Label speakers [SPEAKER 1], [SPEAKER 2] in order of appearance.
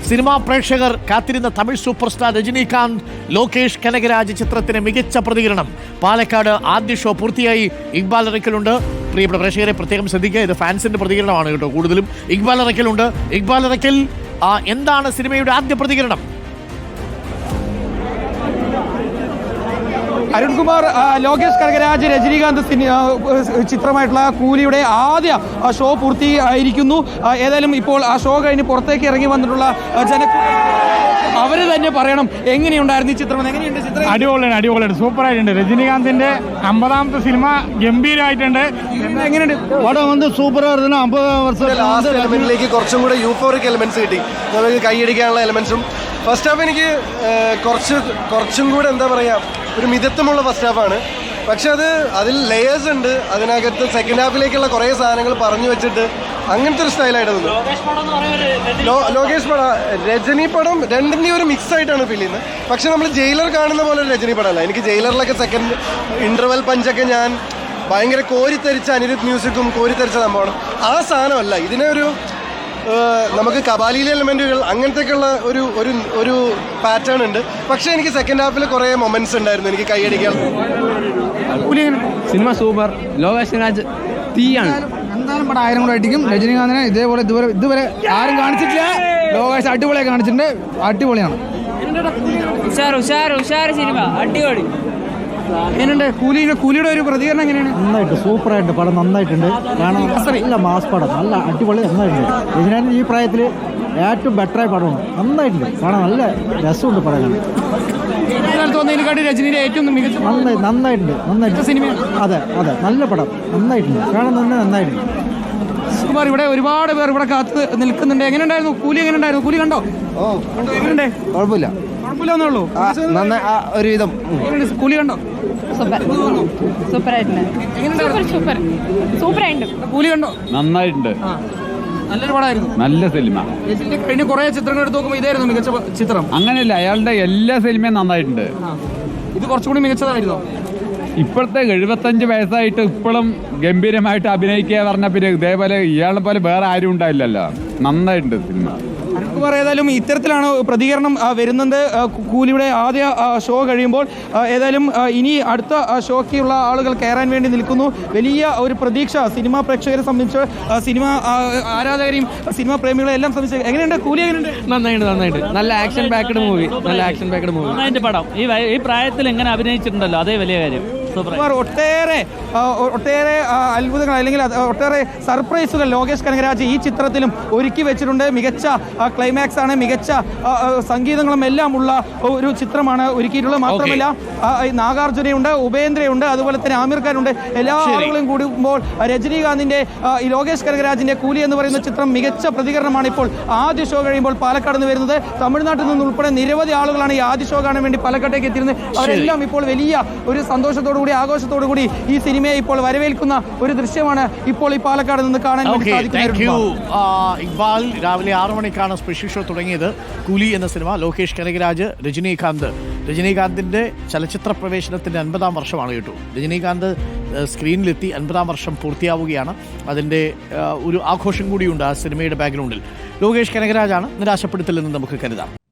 [SPEAKER 1] Cinema പ്രേക്ഷകർ കാത്തിരുന്ന Tamil super star Rajinikanth Lokesh Kanagaraj ചിത്രത്തിന് മികച്ച പ്രതികരണം. പാലക്കാട് ആദ്യ ഷോ പൂർത്തിയായി. ഇക്ബാൽ അറയ്ക്കലുണ്ട്. പ്രിയപ്പെട്ട പ്രേക്ഷകരെ പ്രത്യേകം ശ്രദ്ധിക്കുക, ഇത് ഫാൻസിന്റെ പ്രതികരണമാണ് കേട്ടോ. കൂടുതലും ഇക്ബാൽ അറയ്ക്കലുണ്ട്. ഇക്ബാൽ അറയ്ക്കൽ, എന്താണ് സിനിമയുടെ ആദ്യ പ്രതികരണം?
[SPEAKER 2] അരുൺകുമാർ, ലോകേഷ് കനകരാജ് രജനീകാന്ത് ചിത്രമായിട്ടുള്ള കൂലിയുടെ ആദ്യ ഷോ പൂർത്തിയായിരിക്കുന്നു. ഏതായാലും ഇപ്പോൾ ആ ഷോ കഴിഞ്ഞ് പുറത്തേക്ക് ഇറങ്ങി വന്നിട്ടുള്ള അവര് തന്നെ പറയണം എങ്ങനെയുണ്ടായിരുന്നു ഈ ചിത്രം. എങ്ങനെയുണ്ട് ചിത്രം?
[SPEAKER 3] അടിപൊളിയാണ്, സൂപ്പറായിട്ടുണ്ട്. രജനീകാന്തിന്റെ 50ാമത്തെ സിനിമ ഗംഭീരമായിട്ടുണ്ട്.
[SPEAKER 2] എങ്ങനെയുണ്ട്
[SPEAKER 4] പടം? സൂപ്പറായിരുന്നു. 50 വർഷം
[SPEAKER 5] കുറച്ചും കൂടെ യൂഫോറിക് എലിമെന്റ്സ് കിട്ടി. നമുക്ക് കൈയടിക്കാനുള്ള എലിമെന്റ്സും ഫസ്റ്റ് ഹാഫ് എനിക്ക് കുറച്ചും കൂടെ എന്താ പറയുക, ഒരു മിതത്വമുള്ള ഫസ്റ്റ് ഹാഫാണ്. പക്ഷെ അതിൽ ലെയേഴ്സ് ഉണ്ട്. അതിനകത്ത് സെക്കൻഡ് ഹാഫിലേക്കുള്ള കുറേ സാധനങ്ങൾ പറഞ്ഞു വെച്ചിട്ട് അങ്ങനത്തെ ഒരു സ്റ്റൈലായിട്ട് തോന്നുന്നു. ലോകേഷ് പടം, രജനി പടം രണ്ടിൻ്റെയും ഒരു മിക്സ് ആയിട്ടാണ് ഫീൽ ചെയ്യുന്നത്. പക്ഷെ നമ്മൾ ജയിലർ കാണുന്ന പോലെ ഒരു രജനി പടമല്ല. എനിക്ക് ജയിലറിലൊക്കെ സെക്കൻഡ് ഇൻ്റർവെൽ പഞ്ചൊക്കെ ഞാൻ ഭയങ്കര കോരിത്തരിച്ച അനിരുദ്ധ് മ്യൂസിക്കും കോരിത്തരിച്ച സംഭവമാണ്. ആ സാധനമല്ല ഇതിനെ ഒരു നമുക്ക് കബാലിയിലെ എലമെന്റുകൾ അങ്ങനത്തെയൊക്കെയുള്ള ഒരു പാറ്റേൺ ഉണ്ട്. പക്ഷെ എനിക്ക് സെക്കൻഡ് ഹാഫിൽ കുറേ മൊമെന്റ്സ് ഉണ്ടായിരുന്നു എനിക്ക് കൈയടിക്കാൻ.
[SPEAKER 6] Cinema super. ലോകേഷ് രാജ് തീയാണ്.
[SPEAKER 2] എന്തായാലും പടം 1000 കൂടെ അടിക്കും. രജനീകാന്തിനെ ഇതുവരെ ആരും കാണിച്ചിട്ടില്ല. ലോകേഷ് അടിപൊളിയായി കാണിച്ചിട്ടുണ്ട്. അടിപൊളിയാണ്.
[SPEAKER 7] ഉഷാർ സിനിമ അടിപൊളി.
[SPEAKER 2] എങ്ങനെയുണ്ട് കൂലിയുടെ ഒരു പ്രതികരണം? എങ്ങനെയാണ്?
[SPEAKER 4] നന്നായിട്ട്, സൂപ്പറായിട്ട് പടം നന്നായിട്ടുണ്ട്. കാരണം നല്ല മാസ് പടം, നല്ല അടിപൊളി നന്നായിട്ടുണ്ട്. രജനീകാന്ത് ഈ പ്രായത്തിൽ ഏറ്റവും ബെറ്ററായ പടമാണ്. നന്നായിട്ടുണ്ട്, കാണാൻ നല്ല രസമുണ്ട് പടം കാണാൻ.
[SPEAKER 2] തോന്നുന്നതിനെക്കാട്ടി രജനിയുടെ ഏറ്റവും മികച്ച
[SPEAKER 4] നന്നായിട്ടുണ്ട്
[SPEAKER 2] സിനിമയാണ്.
[SPEAKER 4] അതെ, നല്ല പടം നന്നായിട്ടുണ്ട്, കാണാൻ തന്നെ നന്നായിട്ടുണ്ട്.
[SPEAKER 2] സുകുമാർ, ഇവിടെ ഒരുപാട് പേർ ഇവിടെ കാത്ത് നിൽക്കുന്നുണ്ട്. എങ്ങനെയുണ്ടായിരുന്നു കൂലി? എങ്ങനെയുണ്ടായിരുന്നു കൂലി? കണ്ടോ? എങ്ങനെയുണ്ട്?
[SPEAKER 4] കുഴപ്പമില്ല
[SPEAKER 2] ഒന്നുള്ളൂ,
[SPEAKER 4] ഒരുവിധം.
[SPEAKER 2] കൂലി കണ്ടോ? കൂലി കണ്ടോ?
[SPEAKER 3] നന്നായിട്ടുണ്ട്,
[SPEAKER 2] നല്ലൊരു പടമായിരുന്നു.
[SPEAKER 3] നല്ല സിനിമ.
[SPEAKER 2] കഴിഞ്ഞ കുറെ ചിത്രങ്ങൾ എടുത്ത് നോക്കുമ്പോൾ ഇതായിരുന്നു മികച്ച ചിത്രം.
[SPEAKER 3] അങ്ങനെയല്ല, അയാളുടെ എല്ലാ സിനിമയും നന്നായിട്ടുണ്ട്.
[SPEAKER 2] ഇത് കുറച്ചുകൂടി മികച്ചതായിരുന്നോ?
[SPEAKER 3] ഇപ്പോഴത്തെ 75 വയസ്സായിട്ട് ഇപ്പോഴും ഗംഭീരമായിട്ട് അഭിനയിക്കുക പറഞ്ഞ പിന്നെ ഇതേപോലെ ഇയാളെ പോലെ വേറെ ആരും ഉണ്ടായില്ലല്ലോ. നന്നായിട്ടുണ്ട് സിനിമ.
[SPEAKER 2] അരുൺകുമാർ, ഏതായാലും ഇത്തരത്തിലാണ് പ്രതികരണം വരുന്നത് കൂലിയുടെ ആദ്യ ഷോ കഴിയുമ്പോൾ. ഏതായാലും ഇനി അടുത്ത ഷോക്കുള്ള ആളുകൾ കയറാൻ വേണ്ടി നിൽക്കുന്നു. വലിയ ഒരു പ്രതീക്ഷ സിനിമാ പ്രേക്ഷകരെ സംബന്ധിച്ച്, സിനിമ ആരാധകരെയും സിനിമാ പ്രേമികളെ എല്ലാം സംബന്ധിച്ച്. എങ്ങനെയുണ്ട് കൂലി? എങ്ങനെയുണ്ട്?
[SPEAKER 6] നന്നായിട്ട്. നല്ല ആക്ഷൻ പാക്ഡ് മൂവി. നന്നായിട്ട് പടം. ഈ പ്രായത്തിൽ എങ്ങനെ അഭിനയിച്ചിട്ടുണ്ടല്ലോ, അതേ വലിയ കാര്യം.
[SPEAKER 2] ഒട്ടേറെ അത്ഭുതങ്ങൾ അല്ലെങ്കിൽ ഒട്ടേറെ സർപ്രൈസുകൾ ലോകേഷ് കനകരാജ് ഈ ചിത്രത്തിലും ഒരുക്കി വെച്ചിട്ടുണ്ട്. മികച്ച ക്ലൈമാക്സ് ആണ്, മികച്ച സംഗീതങ്ങളും എല്ലാം ഉള്ള ഒരു ചിത്രമാണ് ഒരുക്കിയിട്ടുള്ളത്. മാത്രമല്ല നാഗാർജുനയുണ്ട്, ഉപേന്ദ്രയുണ്ട്, അതുപോലെ തന്നെ ആമിർ ഖാനുണ്ട്. എല്ലാ ആളുകളും കൂടുമ്പോൾ രജനീകാന്തിന്റെ ഈ ലോകേഷ് കനകരാജിന്റെ കൂലി എന്ന് പറയുന്ന ചിത്രം മികച്ച പ്രതികരണമാണ് ഇപ്പോൾ ആദ്യ ഷോ കഴിയുമ്പോൾ പാലക്കാട് നിന്ന് വരുന്നത്. തമിഴ്നാട്ടിൽ നിന്ന് ഉൾപ്പെടെ നിരവധി ആളുകളാണ് ഈ ആദ്യ ഷോ കാണാൻ വേണ്ടി പാലക്കാട്ടേക്ക് എത്തിയിരുന്നത്. അവരെല്ലാം ഇപ്പോൾ വലിയ ഒരു സന്തോഷത്തോടു ആഘോഷത്തോടു കൂടി ഈ സിനിമയെ ഇപ്പോൾ വരവേൽക്കുന്ന ഒരു ദൃശ്യമാണ് ഇപ്പോൾ ഈ പാലക്കാട് നിന്ന് കാണാൻ
[SPEAKER 1] സാധിക്കുന്നത്. ഇക്ബാൽ, രാവിലെ 6 മണിക്കാണ് സ്പെഷ്യൽ ഷോ തുടങ്ങിയത്. കൂലി എന്ന സിനിമ. ലോകേഷ് കനകരാജ്, രജനീകാന്തിന്റെ ചലച്ചിത്ര പ്രവേശനത്തിന്റെ 50ാം വർഷമാണ് കേട്ടോ. രജനീകാന്ത് സ്ക്രീനിലെത്തി 50ാം വർഷം പൂർത്തിയാവുകയാണ്. അതിന്റെ ഒരു ആഘോഷം കൂടിയുണ്ട് ആ സിനിമയുടെ ബാക്ക്ഗ്രൗണ്ടിൽ. ലോകേഷ് കനകരാജാണ്, നിരാശപ്പെടുത്തില്ലെന്ന് നമുക്ക് കരുതാം.